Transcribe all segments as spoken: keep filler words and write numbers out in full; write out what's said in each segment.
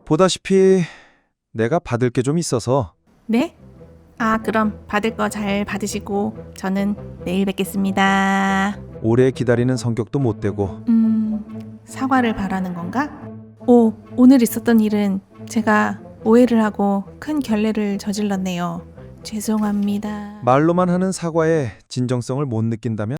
보다시피 내가 받을 게 좀 있어서. 네? 아, 그럼 받을 거 잘 받으시고 저는 내일 뵙겠습니다. 오래 기다리는 성격도 못 되고. 음, 사과를 바라는 건가? 오, 오늘 있었던 일은 제가 오해를 하고 큰 결례를 저질렀네요. 죄송합니다. 말로만 하는 사과에 진정성을 못 느낀다면?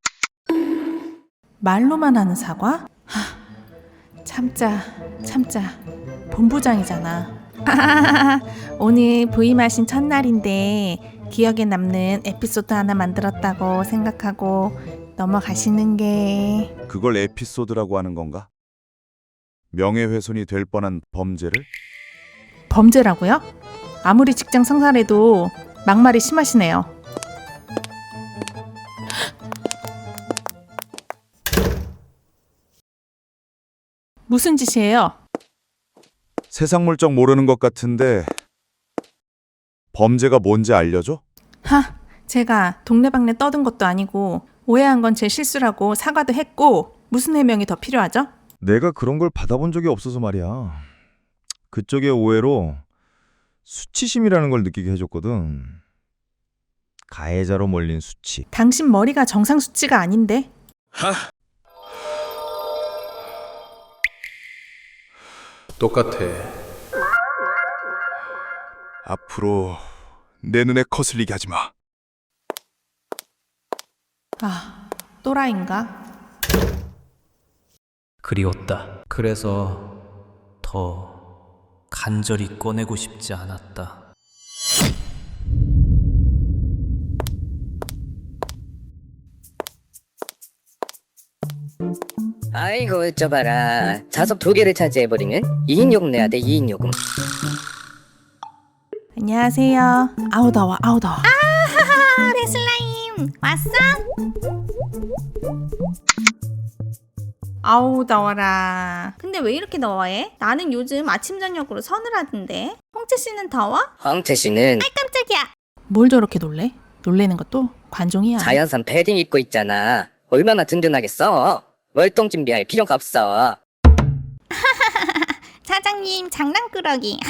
말로만 하는 사과? 하, 참자, 참자. 본부장이잖아. 오늘 부임하신 첫날인데 기억에 남는 에피소드 하나 만들었다고 생각하고 넘어가시는 게... 그걸 에피소드라고 하는 건가? 명예훼손이 될 뻔한 범죄를? 범죄라고요? 아무리 직장 상사래도 막말이 심하시네요. 무슨 짓이에요? 세상 물정 모르는 것 같은데 범죄가 뭔지 알려줘? 하, 제가 동네방네 떠든 것도 아니고 오해한 건 제 실수라고 사과도 했고 무슨 해명이 더 필요하죠? 내가 그런 걸 받아본 적이 없어서 말이야. 그쪽의 오해로 수치심이라는 걸 느끼게 해줬거든. 가해자로 몰린 수치. 당신 머리가 정상 수치가 아닌데? 똑같아. 앞으로 내 눈에 거슬리게 하지 마. 아, 또라이인가? 그리웠다. 그래서 더 간절히 꺼내고 싶지 않았다. 아이고 어쩌봐라. 좌석 두 개를 차지해버리는 이인 요금 내야 돼. 이인 요금. 안녕하세요. 아우 더워, 아우 더워. 아하하, 레슬라임 왔어? 아우 더워라. 근데 왜 이렇게 더워해? 나는 요즘 아침 저녁으로 서늘하던데. 홍채 씨는 더워? 황태 씨는 깜짝이야. 뭘 저렇게 놀래? 놀래는 것도 관종이야. 자연산 패딩 입고 있잖아. 얼마나 든든하겠어. 월동 준비할 필요가 없어. 사장님 장난꾸러기.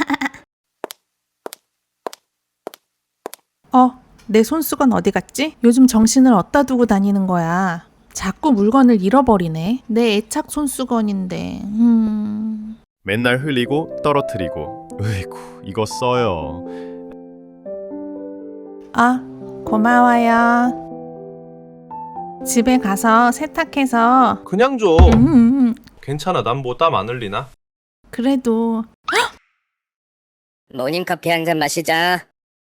어, 내 손수건 어디 갔지? 요즘 정신을 어디다 두고 다니는 거야. 자꾸 물건을 잃어버리네. 내 애착 손수건인데. 음... 맨날 흘리고 떨어뜨리고. 으이구, 이거 써요. 아, 고마워요. 집에 가서 세탁해서. 그냥 줘. 음, 음, 괜찮아. 난 뭐 땀 안 흘리나? 그래도. 모닝커피 한 잔 마시자.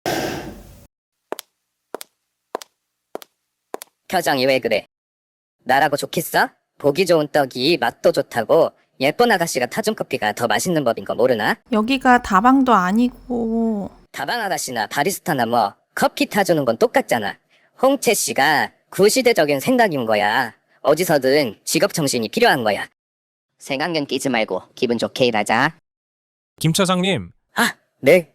표정이 왜 그래? 나라고 좋겠어? 보기 좋은 떡이 맛도 좋다고 예쁜 아가씨가 타준 커피가 더 맛있는 법인 거 모르나? 여기가 다방도 아니고. 다방 아가씨나 바리스타나 뭐 커피 타주는 건 똑같잖아. 홍채 씨가 구시대적인 생각인 거야. 어디서든 직업 정신이 필요한 거야. 생각년 끼지 말고 기분 좋게 일하자. 김 차장님, 아, 네.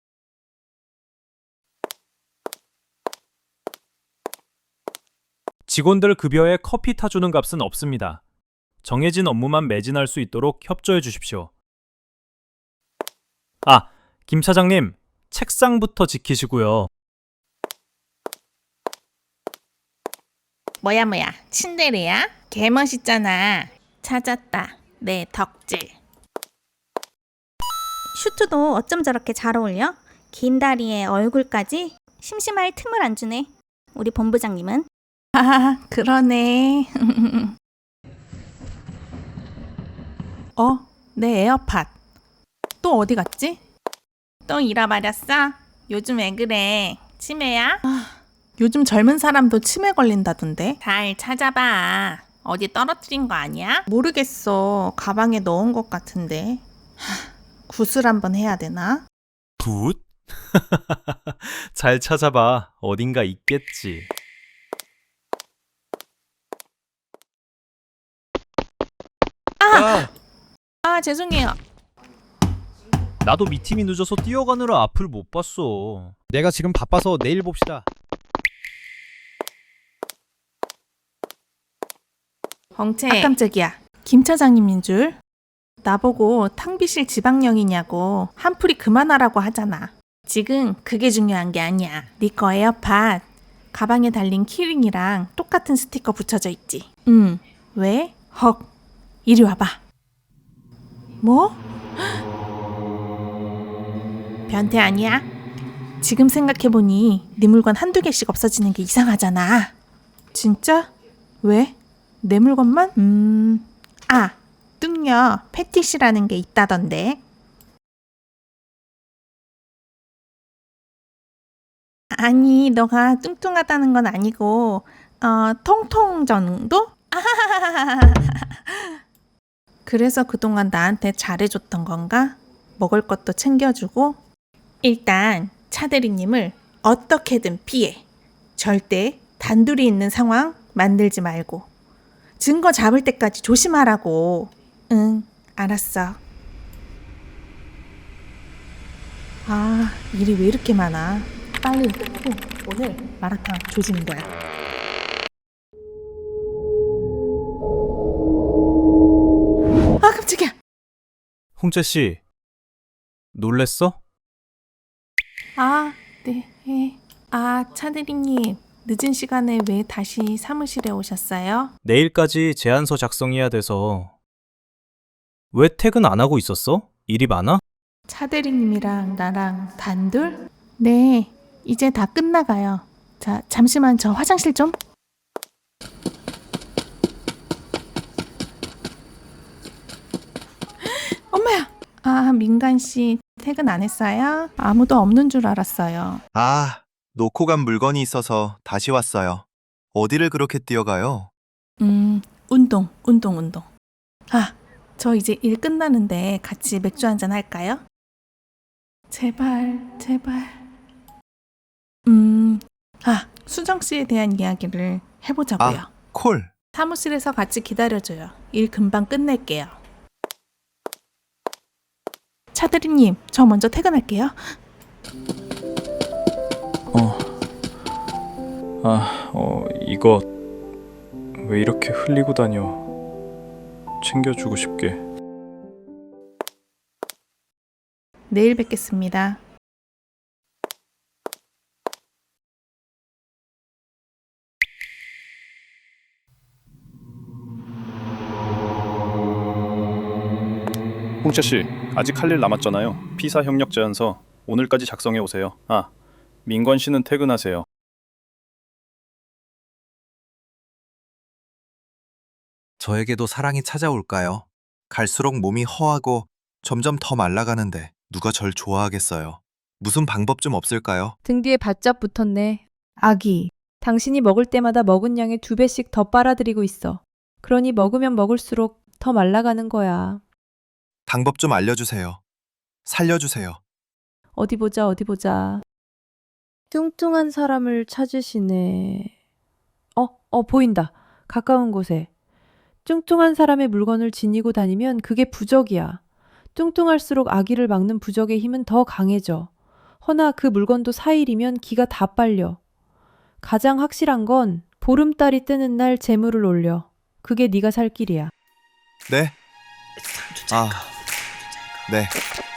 직원들 급여에 커피 타주는 값은 없습니다. 정해진 업무만 매진할 수 있도록 협조해 주십시오. 아, 김 차장님, 책상부터 지키시고요. 뭐야 뭐야 침대래야? 개멋있잖아. 찾았다. 내 덕질. 슈트도 어쩜 저렇게 잘 어울려? 긴 다리에 얼굴까지 심심할 틈을 안 주네. 우리 본부장님은? 아, 그러네. 어, 내 에어팟. 또 어디 갔지? 또 잃어버렸어? 요즘 왜 그래? 치매야? 요즘 젊은 사람도 치매 걸린다던데. 잘 찾아봐. 어디 떨어뜨린 거 아니야? 모르겠어. 가방에 넣은 것 같은데. 하, 굿을 한번 해야 되나? 굿? 잘 찾아봐. 어딘가 있겠지. 아! 아, 죄송해요. 나도 미팅이 늦어서 뛰어가느라 앞을 못 봤어. 내가 지금 바빠서 내일 봅시다. 엉채. 아, 깜짝이야. 김 차장님인 줄. 나보고 탕비실 지방령이냐고 한풀이 그만하라고 하잖아. 지금 그게 중요한 게 아니야. 네 거 에어팟 가방에 달린 키링이랑 똑같은 스티커 붙여져 있지. 응. 왜? 헉. 이리 와봐. 뭐? 변태 아니야? 지금 생각해보니 네 물건 한두 개씩 없어지는 게 이상하잖아. 진짜? 왜? 내 물건만? 음... 아! 뚱녀 패티시라는 게 있다던데. 아니, 너가 뚱뚱하다는 건 아니고 어, 통통 정도? 그래서 그동안 나한테 잘해줬던 건가? 먹을 것도 챙겨주고. 일단 차대리님을 어떻게든 피해. 절대 단둘이 있는 상황 만들지 말고. 증거 잡을 때까지 조심하라고. 응, 알았어. 아, 일이 왜 이렇게 많아. 빨리 끝내고 오늘 마라탕 조지는 거야. 아, 깜짝이야. 홍채 씨, 놀랬어? 아, 네. 예. 아, 차대리님. 늦은 시간에 왜 다시 사무실에 오셨어요? 내일까지 제안서 작성해야 돼서. 왜 퇴근 안 하고 있었어? 일이 많아? 차대리님이랑 나랑 단둘? 네, 이제 다 끝나가요. 자, 잠시만 저 화장실 좀. 엄마야! 아, 민간 씨 퇴근 안 했어요? 아무도 없는 줄 알았어요. 아, 놓고 간 물건이 있어서 다시 왔어요. 어디를 그렇게 뛰어가요? 음, 운동, 운동, 운동. 아, 저 이제 일 끝나는데 같이 맥주 한잔 할까요? 제발, 제발. 음, 아, 수정 씨에 대한 이야기를 해보자고요. 아, 콜. 사무실에서 같이 기다려줘요. 일 금방 끝낼게요. 차대리님, 저 먼저 퇴근할게요. 어. 아, 어, 이거 왜 이렇게 흘리고 다녀? 챙겨주고 싶게. 내일 뵙겠습니다. 홍채 씨, 아직 할 일 남았잖아요. 피사 협력 제안서 오늘까지 작성해 오세요. 아, 민관 씨는 퇴근하세요. 저에게도 사랑이 찾아올까요? 갈수록 몸이 허하고 점점 더 말라가는데 누가 절 좋아하겠어요? 무슨 방법 좀 없을까요? 등 뒤에 바짝 붙었네. 아기, 당신이 먹을 때마다 먹은 양의 두 배씩 더 빨아들이고 있어. 그러니 먹으면 먹을수록 더 말라가는 거야. 방법 좀 알려주세요. 살려주세요. 어디 보자, 어디 보자. 뚱뚱한 사람을 찾으시네. 어, 어, 보인다. 가까운 곳에. 뚱뚱한 사람의 물건을 지니고 다니면 그게 부적이야. 뚱뚱할수록 아기를 막는 부적의 힘은 더 강해져. 허나 그 물건도 사일이면 기가 다 빨려. 가장 확실한 건 보름달이 뜨는 날 재물을 올려. 그게 네가 살 길이야. 네? 아, 네.